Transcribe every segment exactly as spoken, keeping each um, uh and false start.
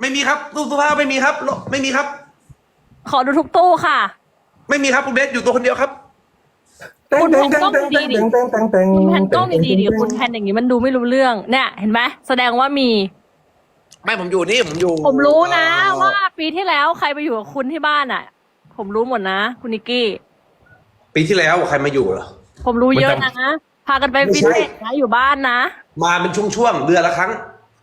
ไม่มีครับตู้เสื้อผ้าไม่มีครับโลไม่มีครับขอดูทุกตู้ค่ะไม่มีครับคุณเบสอยู่ตัวคนเดียวครับคุณแผ่นกล้องดีๆดิคุณแผ่นกล้องดีๆดิคุณแผ่นอย่างนี้มันดูไม่รู้เรื่องเนี่ยเห็นไหมแสดงว่ามีไม่ผมอยู่นี่ผมอยู่ผมรู้นะเอ่อว่าปีที่แล้วใครไปอยู่กับคุณที่บ้านอ่ะ ผมรู้หมดนะคุณนิกกี้ปีที่แล้วใครมาอยู่เหรอผมรู้เยอะนะพากันไปไม่ฟิตใช่เนสนะอยู่บ้านนะมาเป็นช่วงๆเดือนละครั้ง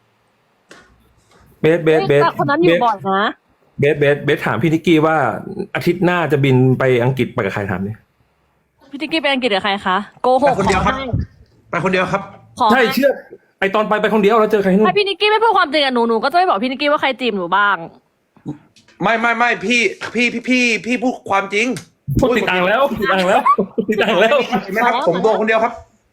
เบสเบสเบสแต่คนนั้นอยู่บ่อยนะเบสเบสเบสถามพี่นิกกี้ว่าอาทิตย์หน้าจะบินไปอังกฤษไปกับใครถามเนี่ยพี่นิกกี้ไปอังกฤษกับใครคะโกหไปกคนเดียวขอครับให้ไปคนเดียวครับขอใช่ให้เชื่อไอตอนไปไปคนเดียวแล้วเจอใครที่นู่ถ้าน พี่นิกกี้ไม่พูดความจริงกับหนูหนูก็จะไม่บอกพี่นิกกี้ว่าใครจีบหนูบ้างไม่ไม่ไม่พี่พี่พี่พี่พี่พูดความจริงพูดติดอ่างแล้วติดอ่างแล้วติดอ่างแล้วเห็นไหมครับผมตัวคนเดียวครับ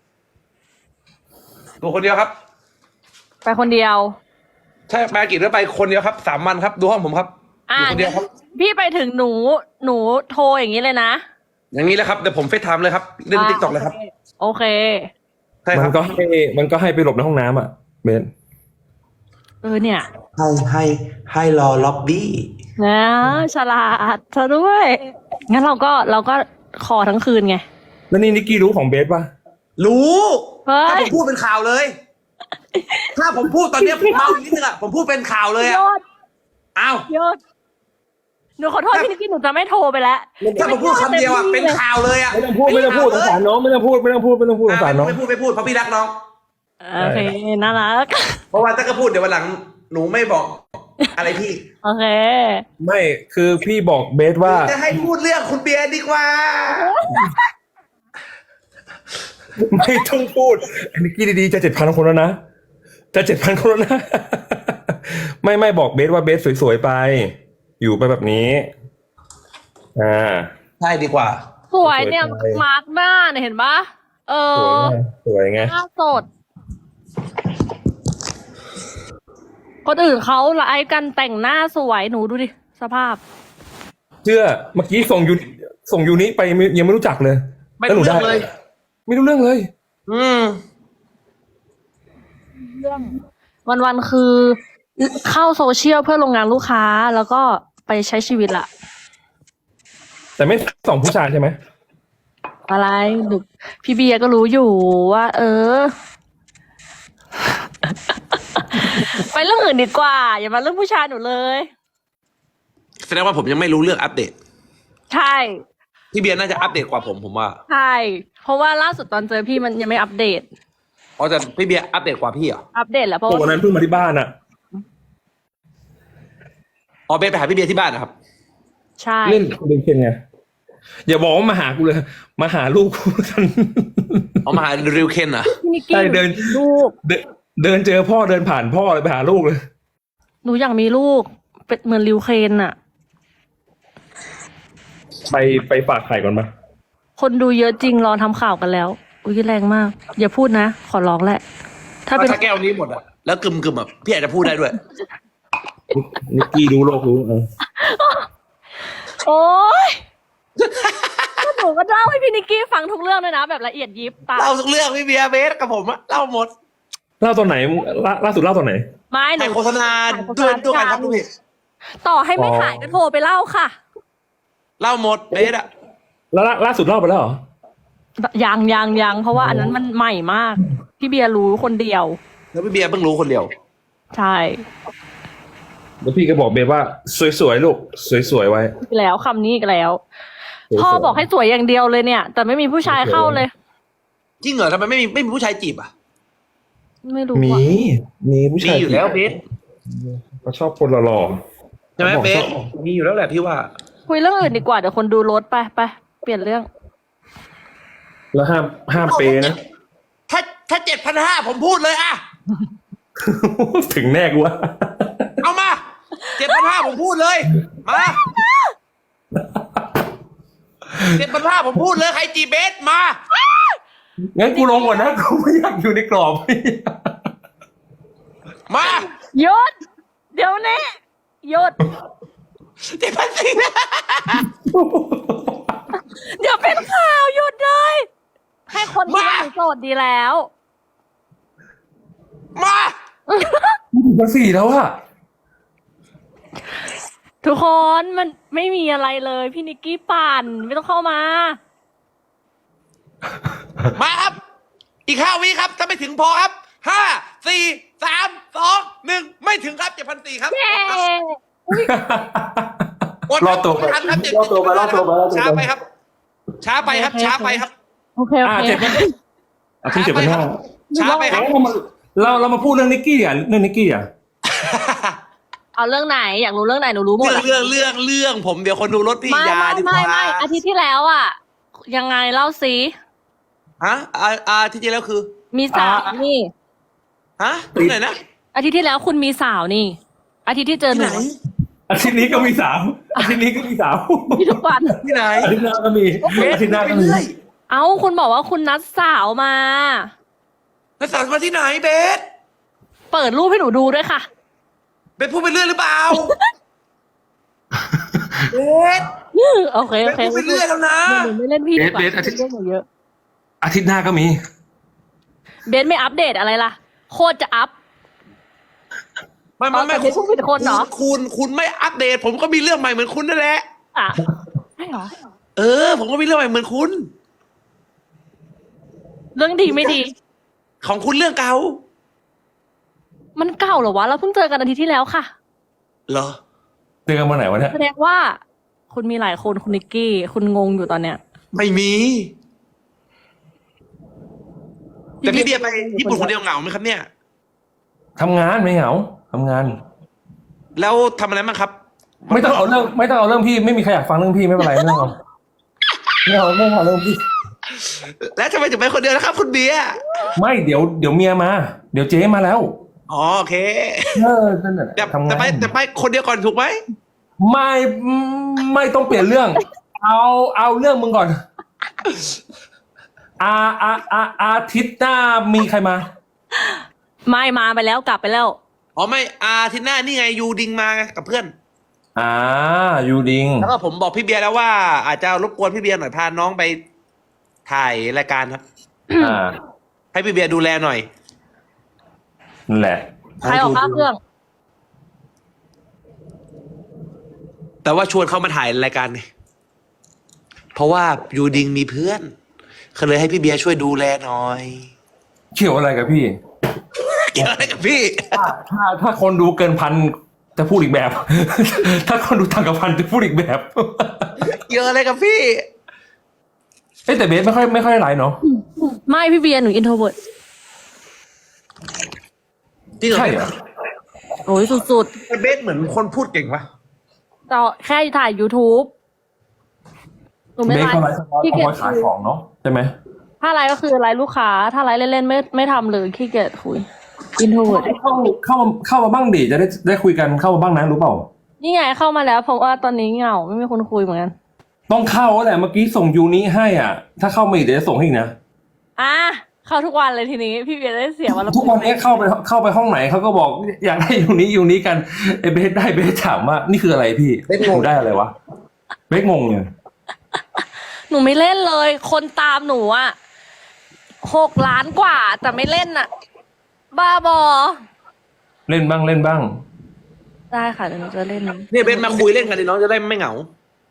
ตัวคนเดียวครับไปคนเดียวใช่ไปอังกฤษแล้วไปคนเดียวครับสามวันครับดูห้องผมครับออ่ายู่คนเดียวครับพี่ไปถึงหนูหนูโทรอย่างนี้เลยนะอย่างนี้แหละครับเดี๋ยวผมเฟซไทม์เลยครับเล่นติ๊กต็อกเลยครับโอเคใช่คมัรันบก็ให้มันก็ให้ไปหลบในห้องน้ำอ่ะเบสเออเนี่ยให้ให้ให้รอล็อบบี้นะฉลาดเธอด้วย งั้นเราก็เราก็ขอทั้งคืนไงแล้วนี่นิกกี้รู้ของเบสป่ะรู้เฮ้ยถ้าผมพูดเป็นข่าวเลย ถ้าผมพูดตอนเนี้ยผมเมาอีกนิดนึงอะผมพูดเป็นข่าวเลยยอะอดอ้าวยอดหนูขอโทษพี่นิกกี้หนูจะไม่โทรไปแล้วถ้าผมพูดคำเดียวอะเป็นข่าวเลยอะไม่ต้องพูดไม่ต้องพูดสงสารน้องไม่ต้องพูดไม่ต้องพูดไม่ต้องพูดสงสารน้องไม่พูดไม่พูดเพราะพี่รักน้องโอเคน่ารักเพราะว่าถ้าก็พูดเดี๋ยววันหลังหนูไม่บอก อะไรพี่โอเคไม่คือพี่บอกเบสว่าจะให้พูดเรื่องคุณเบียร์ดีกว่าไม่ต้องพูดไอ้นิกกี้ดีๆจะเจ็ดพันคนแล้วนะจะเจ็ดพันคนแล้วนะ ไม่ไม่บอกเบสว่าเบสสวยๆไป อยู่ไปแบบนี้อ่าใช่ดีกว่าสวยเนี่ยสวยจังเลยมาร์กหน้าเนี่ยเห็นปะเอสวยอไงสวยไงหน้าสด คนอื่นเขาไลฟ์กันแต่งหน้าสวยหนูดูดิ สภาพเชื่อเมื่อกี้ส่งยูส่งยูนิไปไม่ยังไม่รู้จักเลยไม่แล้วหรู้นูเรื่ได้องเลยไม่รู้เรื่องเลยอืมเรื่องวันๆคือเข้าโซเชียลเพื่อลงงานลูกค้าแล้วก็ไปใช้ชีวิตละแต่ไม่ส่องผู้ชายใช่ไหมอะไรหนูพี่เบียร์ก็รู้อยู่ว่า เออ ไปเรื่องอื่นดีกว่า อย่ามาเรื่องผู้ชายหนูเลยแสดงว่าผมยังไม่รู้เรื่องอัปเดตใช่พี่เบียร์น่าจะอัปเดตกว่าผมผมว่าใช่ เพราะว่าล่าสุดตอนเจอพี่มันยังไม่อัปเดตอ๋อแต่พี่เบียร์อัปเดตกว่าพี่เหรออัปเดตแล้วเพราะตัวว่านั้นเพิ่งมาที่บ้านอ่ะอ๋อเบสไปหาพี่เบียร์ที่บ้านนะครับใช่เล่นเล่นเคนไงอย่าบอกว่ามาหากูเลย มาหาลูกกูกันเอามาหาริวเคนเหรอ่ะพี่นิกกี้ใช่เดินลูกเดินเดินเจอพ่อเดินผ่านพ่อเลยไปหาลูกเลยหนูอยากมีลูก เป็นเหมือนริวเคนอะไปไปฝากไข่ก่อนมาคนดูเยอะจริงรอทำข่าวกันแล้ว อุ้ยแรงมาก อย่าพูดนะ ขอร้องแหละ ถ้าเป็นถ้าแก้วนี้หมดอ่ะแล้วกึมกึมอ่ะพี่อาจจะพูดได้ด้วยนิกกี้รู้โลกรู้เออโอ๊ยแล้วหนูก็เล่าให้พี่นิกกี้ฟังทุกเรื่องเลยนะ แบบละเอียดยิบตาเล่าทุกเรื่องพี่เบียร์เบสกับผมอะเล่าหมดเล่าตอนไหนล่าล่าสุดเล่าตอนไหนไม่หนูถ่ายโฆษณาถ่ายโฆษด้วยณาด้วยกันครับทุกพี่ต่อให้ไม่ถ่ายก็โทรไปเล่าค่ะเล่าหมดเบสอะแล้วล่าล่าสุดเล่าไปแล้วเหรอยังยังยังเพราะว่าอันนั้นมันใหม่มาก พี่เบียร์รู้คนเดียวแล้วพี่เบียร์เพิ่งรู้คนเดียวใช่แล้วพี่ก็บอกเบสว่าสวยๆลูกสวยๆไว้อีกแล้วคำนี้อีกแล้วสวยๆพ่อบอกให้สวยอย่างเดียวเลยเนี่ย แต่ไม่มีผู้ชายเข้าเลยจริงเหรอทำไมไม่มีไม่มีผู้ชายจีบอ่ะไม่รู้มีอ่ะมีผู้มีชายอยู่แล้วเบสเขาชอบคนหล่อใช่ไหมบอกเบชสอบมีอยู่แล้วแหละพี่ว่าคุยเรื่องอื่นดีกว่าเดี๋ยวคนดูรถไปไปเปลี่ยนเรื่องๆแล้วห้ามห้ามเปย์นะถ้าถ้าเจ็ดพันห้าผมพูดเลยอะถึงแน่กูว่าเอามาเจ็ดพันห้าผมพูดเลย มาเจ็ดพันห้าผมพูดเลยใครจีบเบสมางั้นกูลงก่อนนะ กูไม่อยากอยู่ในกรอบมาหยุด เดี๋ยวนี้หยุดเจ็ดพันสี่เดี๋ยวเป็นข่าวหยุดเลย ให้คนคิดว่าหนูโสดดีแล้วมามาสี่แล้วอะทุกคนมันไม่มีอะไรเลย พี่นิกกี้ปั่นไม่ต้องเข้ามามาครับ อีกห้าวิครับ ถ้าไม่ถึงพอครับห้าสี่สามสองหนึ่งไม่ถึงครับเจ็ดพันสี่ครับเย้กดรอตัวไปไม่ทันครับเจ็ดรอตัวไปรอตัวไปรอตัวไปช้าไปครับ ช้าไปครับ ช้าไปครับโอเคโออ่าเคเจ็ดพันอาทิตย์เจ็ดพันห้าช้าไปครับเราเรามาพูดเรื่องนิกกี้อ่ะเรื่องนิกกี้อ่ะเอาเรื่องไหนอยากรู้เรื่องไหนหนูรู้หมดเรื่องอะเรื่องเรื่องเรื่องผมเดี๋ยวคนดูรถพี่ไม่ยาไม่ดีกไม่ว่าไม่อาทิตย์ที่แล้วอ่ะ ยังไงเล่าสิฮะอ่าอ่าที่จริงแล้วคือมีสาวนี่ฮะที่ไหนนะอาทิตย์ที่แล้วคุณมีสาวนี่ อาทิตย์ที่เจอที่หไหนูนอาทิตย์นี้ก็มีสาวอาทิตย์นี้ก็มีสาวพี่ทุกวันที่ไหนอาทิตย์หน้าก็มีอาทิตย์หน้าก็มีเรื่อยเอ้าคุณบอกว่าคุณนัดสาวมาแล้วสาวมาที่ไหนเบสเปิดรูปให้หนูดูด้วยค่ะเบสพูดไปเรื่อยหรือเปล่าเบสโอเคเบโอสเคพูดไปเรื่อยแล้วนะหนูไม่เล่นพี่ดีกว่าเบสเบสอาทิตย์เรื่องหนูเยอะอาทิตย์หน้าก็มีเบนไม่อัปเดตอะไรล่ะ โคตรจะอัพไม่ไม่ไม่เอาแต่เบสพูดผิดคนเหรอคุณคุณไม่อัปเดต ผมก็มีเรื่องใหม่เหมือนคุณนั่นแหละอ่ะใช่เหรอเออ ผมก็มีเรื่องใหม่เหมือนคุณเรื่องดีไม่ดีของคุณเรื่องเก่ามันเก่าเหรอวะ เราเพิ่งเจอกันอาทิตย์ที่แล้วค่ะเหรอเจอกันวันไหนวะเนี่ยแสดงว่า คุณมีหลายคนคุณนิกกี้ คุณงงอยู่ตอนเนี้ยไม่มี แต่พี่เบียร์ไปญี่ปุ่นคนเดียวเหงาไหมครับเนี่ยทำงานไม่เหงาทำงานแล้วทำอะไรบ้างครับไม่ต้องเอาเรื่องไม่ต้องเอาเรื่องพี่ไม่มีใครอยากฟังเรื่องพี่ไม่เป็นไรไม่ต้องเอาไม่เอาไม่เอาเรื่องพี่แล้วทำไมถึงไปคนเดียวนะครับ คุณเบียร์ไม่เดี๋ยวเดี๋ยวเมียมา เดี๋ยวเจ๊มาแล้วอ๋อโอเคเออนั่นแหละแต่ทำงาแต่นไปแต่ไปคนเดียวก่อนถูกไหมไม่ไม่ต้องเปลี่ยนเรื่อง เอาเอาเรื่องมึงก่อน อาอาอาอาทิตย์หน้ามีใครมาไม่มาไปแล้วกลับไปแล้วอ๋อไม่อาทิตย์หน้านี่ไงยูดิงมาไงกับเพื่อนอ่ายูดิงแล้วก็ผมบอกพี่เบียร์แล้วว่า อาจจะรบกวนพี่เบียร์หน่อยพาน้องไปถ่ายรายการครับอ่าให้พี่เบียร์ดูแลหน่อยนั่นแหละใครออกค่าเครื่องแต่ว่าชวนเขามาถ่ายรายการไงเพราะว่ายูดิงมีเพื่อนเขาเลยให้พี่เบียร์ช่วยดูแลหน่อยเกี่ยวอะไรกับพี่เกี่ยวอะไรกับพี่ถ้าถ้าถ้าคนดูเกินพันจะพูดอีกแบบ ถ้าคนดูต่างกับพันจะพูดอีกแบบเกี่ยวอะไรกับพี่เอ้ยแต่เบสไม่ค่อยไม่ค่อยไลน์เนาะไม่พี่เบียร์หนูอินโทรเวิร์ดจริงเหรอใช่เหรอโอ้ยสุดแต่เบสเหมือนคนพูดเก่งปะๆต่อแค่ถ่าย YouTube หนูไม่เบสไลเขาไลฟ์ฟ์เฉพาะขี้เฉเกียจพาะขายของเนาะใช่ไหมถ้าไลฟ์ก็คือไลฟ์ลูกค้า ถ้าไลฟ์เล่นๆไม่ไม่ทำเลยขี้เกียจคุยอินโทรเวิร์ดเข้าเข้ามาเข้ามาบ้างดิจะได้ได้คุยกันเข้ามาบ้างนะรู้เปล่านี่ไงเข้ามาแล้วเพราะว่าตอนนี้เหงาไม่มีคนคุยเหมือนกันต้องเข้าแหละเมื่อกี้ส่งยูนี้ให้อ่ะ ถ้าเข้ามาอีกเดี๋ยวจะส่งให้อีกนะอ่ะเข้าทุกวันเลยทีนี้ พี่เบียร์ได้เสียวันละทุกวันนี้เข้าไปเข้าไปห้องไหนเขาก็บอกอยากได้ยูนี้ยูนี้กันไอ้เบสได้เบสถามว่านี่คืออะไรพี่หนูได้อะไรวะเบสงงเลยหนูไม่เล่นเลย คนตามหนูอ่ะหกล้านกว่าแต่ไม่เล่นอ่ะ บ้าบอเล่นบ้างเล่นบ้างได้ค่ะเดี๋ยวหนูจะเล่นเนี่ยเบสมาคุยเล่นกันดิน้องจะได้ไม่เหงา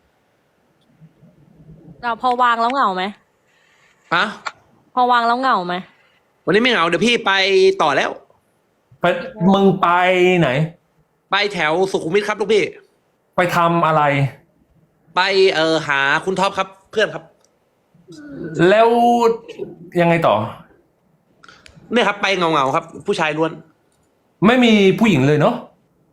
เราพอวางแล้วเหงาไหมฮะพอวางแล้วเหงาไหมวันนี้ไม่เหงาเดี๋ยวพี่ไปต่อแล้วไปมึงไปไหนไปแถวสุขุมวิทครับลูกพี่ไปทำอะไรไปเออหาคุณท็อปครับเพื่อนครับแล้วยังไงต่อเนี่ยครับไปเงาเงาๆครับ ผู้ชายล้วนไม่มีผู้หญิงเลยเนาะ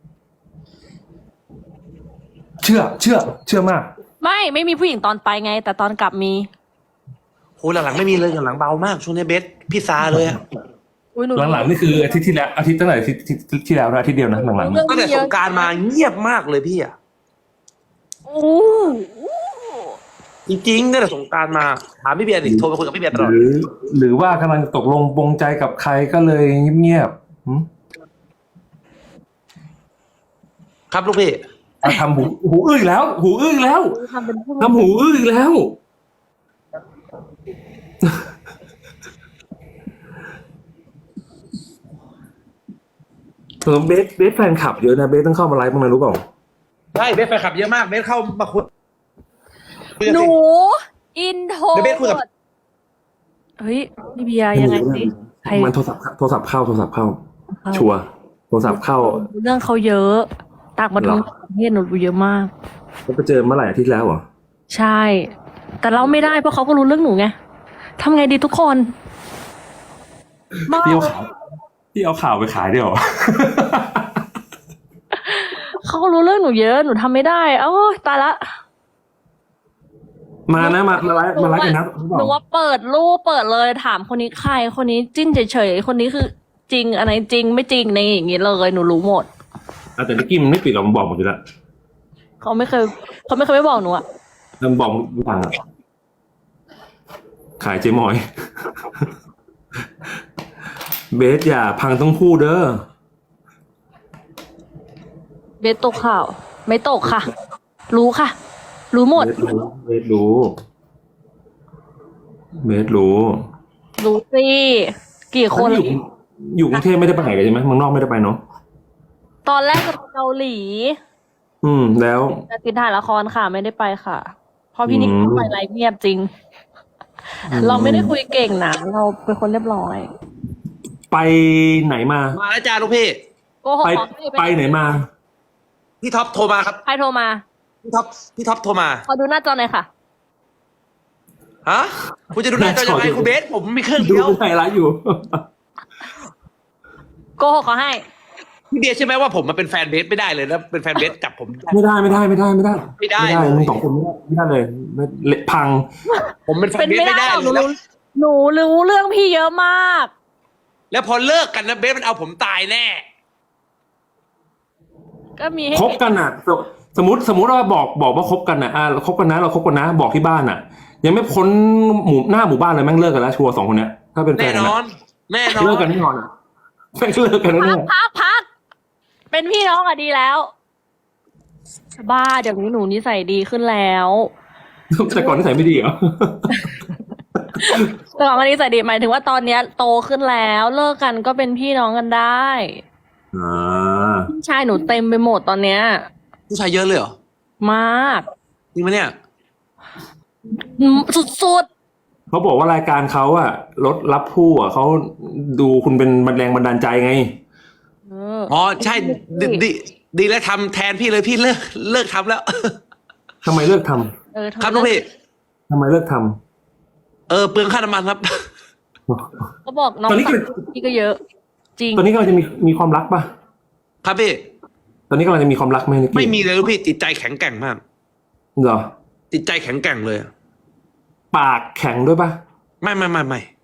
เชื่อ เชื่อ เชื่อมากไม่ไม่มีผู้หญิงตอนไปไง แต่ตอนกลับมีโหหลังๆไม่มีเลยหลังๆเบามากช่วงนี้เบสพี่ซาเลยอะอุ๊ยหนูหลังๆนี่คืออาทิตย์ที่แล้วอาทิตย์ตั้งแต่อาทิตย์ที่ที่แล้วนะอาทิตย์เดียวนะหลังๆเรื่นะองตั้งแต่เยสอะงกรารมาเงียบมากเลยพี่อะโอ้จริงๆตั้งแต่สงกรารมาถามพี่เบียร์ดิโทรไปคุยกับพี่เบียร์ตลอดหรือ หรือว่ากำลังตกลงปรงใจกับใครก็เลยเงียบๆหืมครับลูกพี่อ่ะทำหูหูอื้ออีกแล้ว หูอื้ออีกแล้วทำเป็นผู้ทำหูอื้ออีกแล้ว เออเบสเบสแฟนคลับเยอะนะเบสต้องเข้ามาไลฟ์บ้างนะรู้เปล่าใช่เบสแฟนคลับเยอะมากเบสเข้ามาคุยคุยกันหสินูอินโทรเดี๋ยวเบสคุยกับเฮ้ยพี่เบียร์ยังไงสิใครมันโทรศัพท์โทรศัพท์เข้าโทรศัพท์เข้า ชัวร์โทรศัพท์เข้าเรื่องเขาเยอะต่างประเหรอเทศหนูรู้เยอะมากแล้วไปเจอเมื่อไหร่อาทิตย์แล้วเหรอใช่ แต่เราไม่ได้เพราะเขาก็รู้เรื่องหนูไงทำไงดีทุกคนบ้าพี่เอาข่าวพี่เอาข่าวไปขายด้วยเหรอเขาก็รู้เรื่องหนูเยอะหนูทำไม่ได้เอ้ยตายละมานะมามาไลฟ์มาไลฟ์กันนะหนูว่าเปิดรูปเปิดเลยถามคนนี้ใครคนนี้จิ้นเฉยๆคนนี้คือจริงอะไรจริงไม่จริงในอย่างงี้เลยหนูรู้หมดอ่ะแต่นิกกี้มันไม่ปิดหรอกมันบอกหมดอยู่แล้วเขาไม่เคยเขาไม่เคยไม่บอกหนูอะมันบอกทุกทางอะขายเจมอย เบสอย่าพังต้องคู่เด้อเบสตกข่าว ไม่ตกค่ะ รู้ค่ะ รู้หมดเบสรู้เบสรู้เบสรู้รู้สิกี่คนอยู่อยู่กรุงเทพไม่ได้ไปไหนกันใช่ไหมเมืองนอกไม่ได้ไปเนาะตอนแรกจะไปเกาหลีอืม แล้วจะติดถ่ายละครค่ะไม่ได้ไปค่ะเพราะพี่นิกอืมไปไลฟ์เงียบจริง เราไม่ได้คุยเก่งนะเราเป็นคนเรียบร้อยไปไหนมามาแล้วจ้าลูกพี่โกหกไปเหรอไปไหนมาพี่ท็อปโทรมาครับใครโทรมาพี่ท็อปพี่ท็อปโทรมาขอดูหน้าจอหน่อยค่ะฮะคุณจะดูหน้าจอยังไงคุณเบสผมมีเครื่องดูเดียวไทยรัฐอยู่โกหกขอให้พี่เบียร์ใช่ไหมว่าผมมาเป็นแฟนเบสไม่ได้เลยแล้วเป็นแฟนเบสจับผมไม่ได้ไม่ได้ไม่ได้ไม่ได้ไม่ได้ไม่ได้เลยมึงสองคนไม่ได้ไม่ได้เลยไม่เละพังผมเป็นแฟเป็น นเบสไม่ไม่ได้ได้หรอกหเลนูยรู้หนูรู้เรื่องพี่เยอะมากแล้วพอเลิกกันนะเบสมันเอาผมตายแน่ก็มีให้คบกันอ่ะ สมมติสมมติว่าบอกบอกว่าคบกันอ่ะอ่าเราคบกันนะเราคบกันนะ บอกที่บ้านอ่ะ ยังไม่พ้นหมู่หน้าหมู่บ้านเลยแม่งเลิกกันแล้วชัวร์สองคนเนี้ยถ้าเป็นแฟแน่นกันนออะน แน่นอนเลิกกันแน่นอนอ่ะแม่งเลิกกันพัแน่กพักพักเป็นพี่น้องอะดีแล้ว บ้าเดี๋ยวนี้หนูนิสัยดีขึ้นแล้วๆแต่ก่อนนิสัยไม่ดีเหรอแต่ก่อนวันนี้นิสัยดีหมายถึงว่าตอนเนี้ยโตขึ้นแล้ว เลิกกันก็เป็นพี่น้องกันได้อ่าพี่ชายหนูเต็มไปหมดตอนเนี้ยผู้ชายเยอะเลยเหรอมากจริงไหมเนี่ยอืมสุดเขาบอกว่ารายการเขาอะรถรับผู้อะเขาดูคุณเป็นแรงบันดาลใจไงๆเอออ๋อใช่ดีดีดีแล้วทำแทนพี่เลยพี่เลิกเลิกทำแล้วทำไมเลิกทำเออครับลูกพี่ทำไมเลิกทำเออเปลืองค่าน้ำมันครับก็บอกน้องตอนนี้พี่ก็เยอะ จริงตอนนี้กำลังจะมีมีความรักป่ะครับพี่ตอนนี้กำลังจะมีความรักไหมนิกกี้ไม่มีเลยลูกพี่จิตใจแข็งแกร่งมากเหรอจิตใจแข็งแกร่งเลยปากแข็งด้วยป่ะไม่ไม่ไม่ไม่